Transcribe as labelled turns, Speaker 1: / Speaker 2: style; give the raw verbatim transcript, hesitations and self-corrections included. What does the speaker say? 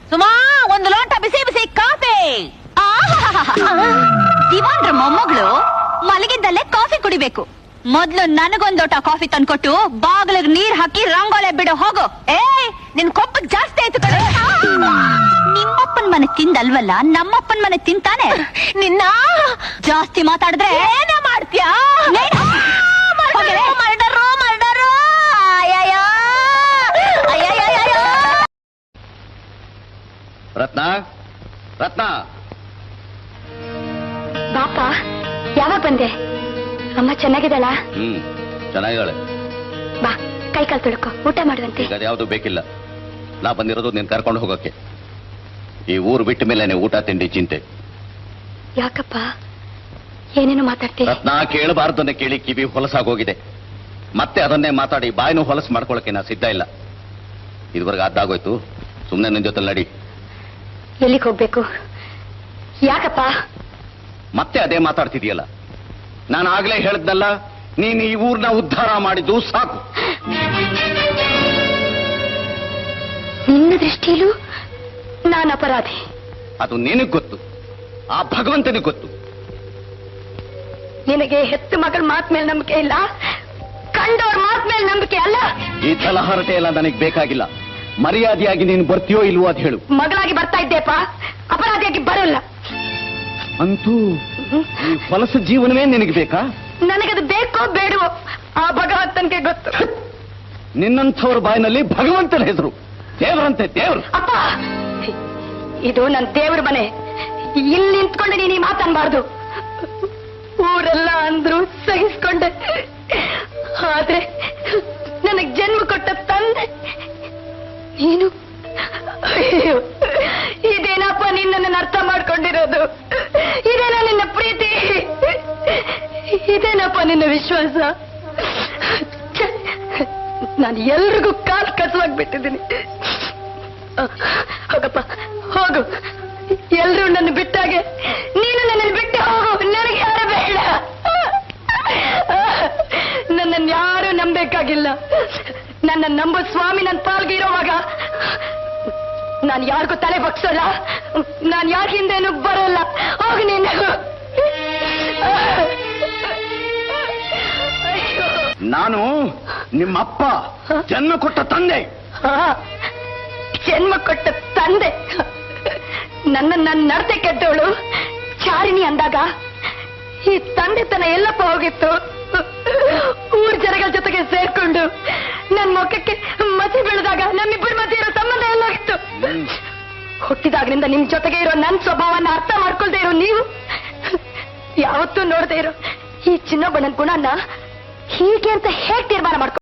Speaker 1: ಸುಮಾ ಒಂದು ಲೋಟ ಬಿಸಿ ಬಿಸಿ ಕಾಫಿ.
Speaker 2: ದಿವಾನ್ರ ಮೊಮ್ಮಗಳು ಮಲಗಿದ್ದಲ್ಲೇ ಕಾಫಿ ಕುಡಿಬೇಕು. ಮೊದ್ಲು ನನಗೊಂದ್ ಲೋಟ ಕಾಫಿ ತಂದ್ಕೊಟ್ಟು ಬಾಗಿಲಿಗೆ ನೀರ್ ಹಾಕಿ ರಂಗೋಲೆ ಬಿಡು ಹೋಗು.
Speaker 1: ಏ ನಿನ್ ಕೊಪ್ಪ ಜಾಸ್ತಿ ಆಯ್ತು ಕಡೆ.
Speaker 2: ನಿಮ್ಮಪ್ಪನ್ ಮನೆ ತಿಂದಲ್ವಲ್ಲ, ನಮ್ಮಪ್ಪನ್ ಮನೆ ತಿಂತಾನೆ.
Speaker 1: ನಿನ್ನ
Speaker 2: ಜಾಸ್ತಿ ಮಾತಾಡಿದ್ರೆ
Speaker 1: ಏನೇ ಮಾಡ್ತೀಯಾ?
Speaker 2: ಹೋಗಿರೆ.
Speaker 1: Murder murder. ಅಯ್ಯಯ್ಯೋ ಅಯ್ಯಯ್ಯೋ.
Speaker 3: ರತ್ನ ರತ್ನ
Speaker 4: ಬಾಪ, ಯಾವಾಗ ಬಂದೆ? ಅಮ್ಮ ಚೆನ್ನಾಗಿದ್ದಾಳ?
Speaker 3: ಹ್ಮ್ ಚೆನ್ನಾಗಿದ್ದಾಳೆ.
Speaker 4: ಬಾ, ಕೈ ಕಾಲು ತೊಳ್ಕೊ, ಊಟ ಮಾಡುವಂತೆ.
Speaker 3: ಈಗ ಅದ್ಯಾವುದು ಬೇಕಿಲ್ಲ. ನಾ ಬಂದಿರೋದು ನೀನ್ ಕರ್ಕೊಂಡು ಹೋಗಕ್ಕೆ. ಈ ಊರು ಬಿಟ್ಟ ಮೇಲೆ ಊಟ ತಿಂಡಿ ಚಿಂತೆ.
Speaker 4: ಯಾಕಪ್ಪ ಏನೇನು ಮಾತಾಡ್ತೀಯ?
Speaker 3: ರತ್ನ, ಕೇಳಬಾರ್ದನ್ನ ಕೇಳಿ ಕಿವಿ ಹೊಲಸಾಗೋಗಿದೆ. ಮತ್ತೆ ಅದನ್ನೇ ಮಾತಾಡಿ ಬಾಯಿನೂ ಹೊಲಸು ಮಾಡ್ಕೊಳಕ್ಕೆ ನಾ ಸಿದ್ಧ ಇಲ್ಲ. ಇದುವರೆಗೆ ಅದಾಗೋಯ್ತು. ಸುಮ್ಮನೆ ನಿನ್ ಜೊತೆ ನಡಿ.
Speaker 4: ಎಲ್ಲಿಗೆ ಹೋಗ್ಬೇಕು? ಯಾಕಪ್ಪ?
Speaker 3: ಮತ್ತೆ ಅದೇ ಮಾತಾಡ್ತಿದೀಯಲ್ಲ. ನಾನು ಆಗ್ಲೇ ಹೇಳಿದ್ನಲ್ಲ, ನೀನು ಈ ಊರ್ನ ಉದ್ಧಾರ ಮಾಡಿದ್ದು ಸಾಕು.
Speaker 4: ನಿನ್ನ ದೃಷ್ಟಿಯಲ್ಲೂ ನಾನು ಅಪರಾಧಿ?
Speaker 3: ಅದು ನಿನಗ್ ಗೊತ್ತು, ಆ ಭಗವಂತನಿಗೆ ಗೊತ್ತು.
Speaker 4: ನಿನಗೆ ಹೆತ್ತು ಮಗಳ ಮಾತ್ ಮೇಲೆ ನಂಬಿಕೆ ಇಲ್ಲ, ಕಂಡವ್ರ ಮಾತ್ ಮೇಲೆ ನಂಬಿಕೆ ಅಲ್ಲ.
Speaker 3: ಈ ತಲಹರಟೆ ಎಲ್ಲ ನನಗೆ ಬೇಕಾಗಿಲ್ಲ. ಮರ್ಯಾದೆಯಾಗಿ ನೀನು ಬರ್ತೀಯೋ ಇಲ್ವೋ ಅದು ಹೇಳು.
Speaker 4: ಮಗಳಾಗಿ ಬರ್ತಾ ಇದ್ದೇಪ, ಅಪರಾಧಿಯಾಗಿ ಬರಲ್ಲ.
Speaker 3: ಅಂತೂ ಈ ಹೊಲಸ ಜೀವನವೇ ನಿನಗೆ ಬೇಕಾ?
Speaker 4: ನನಗದು ಬೇಕೋ ಬೇಡವೋ ಆ ಭಗವಂತನಿಗೆ ಗೊತ್ತು.
Speaker 3: ನಿನ್ನಂಥವ್ರ ಬಾಯಿನಲ್ಲಿ ಭಗವಂತನ ಹೆಸರು. ದೇವರಂತೆ ದೇವರು.
Speaker 4: ಅಪ್ಪ, ಇದು ನನ್ನ ದೇವ್ರ ಮನೆ. ಇಲ್ಲಿ ನಿಂತ್ಕೊಂಡು ನೀನು ಈ ಮಾತನ್ಬಾರ್ದು. ಊರೆಲ್ಲ ಅಂದ್ರು ಸಹಿಸ್ಕೊಂಡೆ, ಆದ್ರೆ ನನಗ್ ಜನ್ಮ ಕೊಟ್ಟ ತಂದೆ ನೀನು. ಅಯ್ಯೋ, ಇದೇನಪ್ಪ ನಿನ್ನನ್ನು ಅರ್ಥ ಮಾಡ್ಕೊಂಡಿರೋದು? ಇದೇನ ನಿನ್ನ ಪ್ರೀತಿ? ಇದೇನಪ್ಪ ನಿನ್ನ ವಿಶ್ವಾಸ? ನಾನು ಎಲ್ರಿಗೂ ಕಾಲ್ ಕಸವಾಗ್ಬಿಟ್ಟಿದ್ದೀನಿ. ಹೋಗಪ್ಪ ಹೋಗು, ಎಲ್ರೂ ನನ್ನ ಬಿಟ್ಟಾಗೆ ನೀನು ನನ್ನನ್ನು ಬಿಟ್ಟು ಹೋಗು. ನನಗೆ ಯಾರು ಬೇಡ. ನನ್ನನ್ನು ಯಾರು ನಂಬೇಕಾಗಿಲ್ಲ. ನನ್ನ ನಂಬೋ ಸ್ವಾಮಿ ನನ್ನ ಪಾಲ್ಗೆ ಇರೋವಾಗ ನಾನು ಯಾರಿಗೂ ತಲೆ ಬಗ್ಸೋಲ್ಲ. ನಾನು ಯಾರ ಹಿಂದೇನು ಬರೋಲ್ಲ. ಹೋಗು ನೀನು.
Speaker 3: ನಾನು ನಿಮ್ಮಪ್ಪ, ಜನ್ಮ ಕೊಟ್ಟ ತಂದೆ.
Speaker 4: ಜನ್ಮ ಕೊಟ್ಟ ತಂದೆ. ನನ್ನ ನನ್ನ ನಡತೆ ಕೆಟ್ಟವಳು ಚಾರಿಣಿ ಅಂದಾಗ ಈ ತಂದೆತನ ಎಲ್ಲಪ್ಪ ಹೋಗಿತ್ತು? ಊರ್ ಜನಗಳ ಜೊತೆಗೆ ಸೇರ್ಕೊಂಡು ನನ್ನ ಮುಖಕ್ಕೆ ಮಸಿ ಬೀಳದಾಗ ನಮ್ಮಿಬ್ಬರ ಮಧ್ಯೆ ಇರೋ ಸಂಬಂಧ ಎಲ್ಲ ಹೋಗಿತ್ತು. ಹುಟ್ಟಿದಾಗ್ನಿಂದ ನಿಮ್ ಜೊತೆಗೆ ಇರೋ ನನ್ನ ಸ್ವಭಾವನ ಅರ್ಥ ಮಾಡ್ಕೊಳ್ದೇ ಇರೋ ನೀವು, ಯಾವತ್ತೂ ನೋಡದೆ ಇರೋ ಈ ಚಿನ್ನೊಬ್ಬನ ಗುಣನ ಹೀಗೆ ಅಂತ ಹೇಗೆ ತೀರ್ಮಾನ ಮಾಡ್ಕೊ